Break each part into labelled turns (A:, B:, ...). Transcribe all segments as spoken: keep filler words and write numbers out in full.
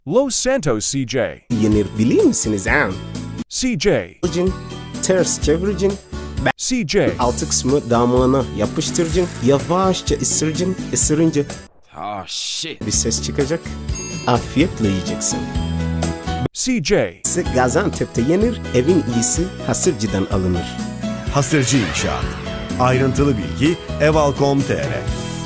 A: Los Santos C J.
B: Yenir bilir misiniz ha?
A: C J.
B: Alıcın, ters çeviricin,
A: C J.
B: altı kısmı damağına yapıştırıcın, yavaşça ısırıcın, ısırınca
C: Oh shit.
B: bir ses çıkacak. Afiyetle yiyeceksin.
A: C J.
B: Ise Gaziantep'te yenir, evin iyisi hasırcıdan alınır.
D: Hasırcı İnşaat. Ayrıntılı bilgi eval nokta com nokta tr.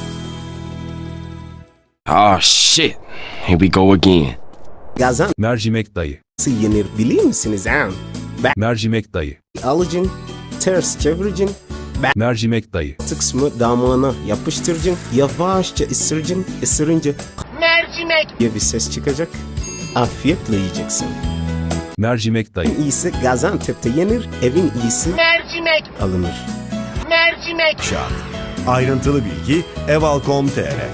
C: Oh shit. Here we go again.
B: Gaziantep'te
E: Mercimek dayı.
B: yenir bilir misiniz ha?
E: Mercimek dayı.
B: Alıcın, ters çeviricin,
E: Mercimek dayı.
B: altı kısmı damağına yapıştırıcın, yavaşça ısırıcın, ısırınca mercimek diye bir ses çıkacak. Afiyetle yiyeceksin.
E: Mercimek dayı.
B: En iyisi Gaziantep'te yenir, evin iyisi mercimek alınır. Mercimek.
D: İnşaat. Ayrıntılı bilgi eval nokta com nokta tr.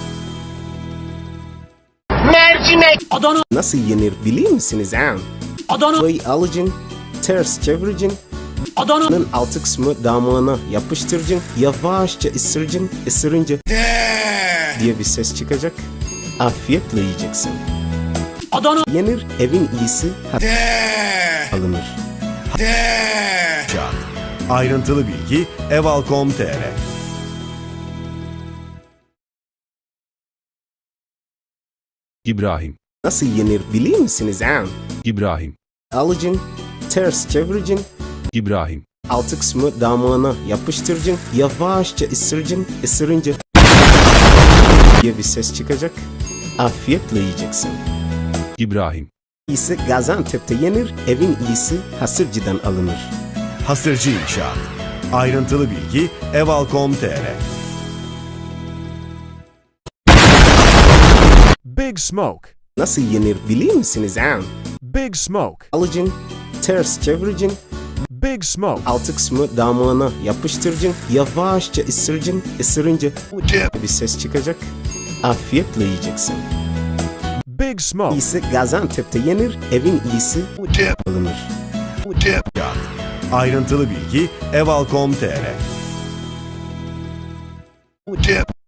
B: Mercimek. Adana. Nasıl yenir bilir misiniz ha? Adana. Alıcın, ters çeviricin, Adana'nın altı kısmı damağına yapıştırıcın, yavaşça ısırıcın, ısırınca diye bir ses çıkacak. Afiyetle yiyeceksin. Adana. Yenir, evin iyisi alınır.
D: İnşaat. Ayrıntılı bilgi eval nokta com nokta tr.
E: İbrahim.
B: Nasıl yenir bilir misiniz ha?
E: İbrahim.
B: Alıcın, ters çeviricin,
E: İbrahim.
B: altı kısmı damağına yapıştırıcın, yavaşça ısırıcın, ısırınca diye bir ses çıkacak. Afiyetle yiyeceksin.
E: İbrahim.
B: İyisi Gaziantep'te yenir, evin iyisi hasırcıdan alınır.
D: Hasırcı İnşaat. Ayrıntılı bilgi eval nokta com nokta tr.
A: Big Smoke.
B: Nasıl yenir bilir misiniz ha?
A: Big Smoke.
B: Alıcın, ters çeviricin,
A: Big Smoke.
B: altı kısmı damağına yapıştırıcın, yavaşça ısırıcın, ısırınca bir ses çıkacak. Afiyetle yiyeceksin.
A: Big Smoke.
B: İyisi Gaziantep'te yenir, evin iyisi alınır.
D: İnşaat. Ayrıntılı bilgi eval nokta com nokta tr.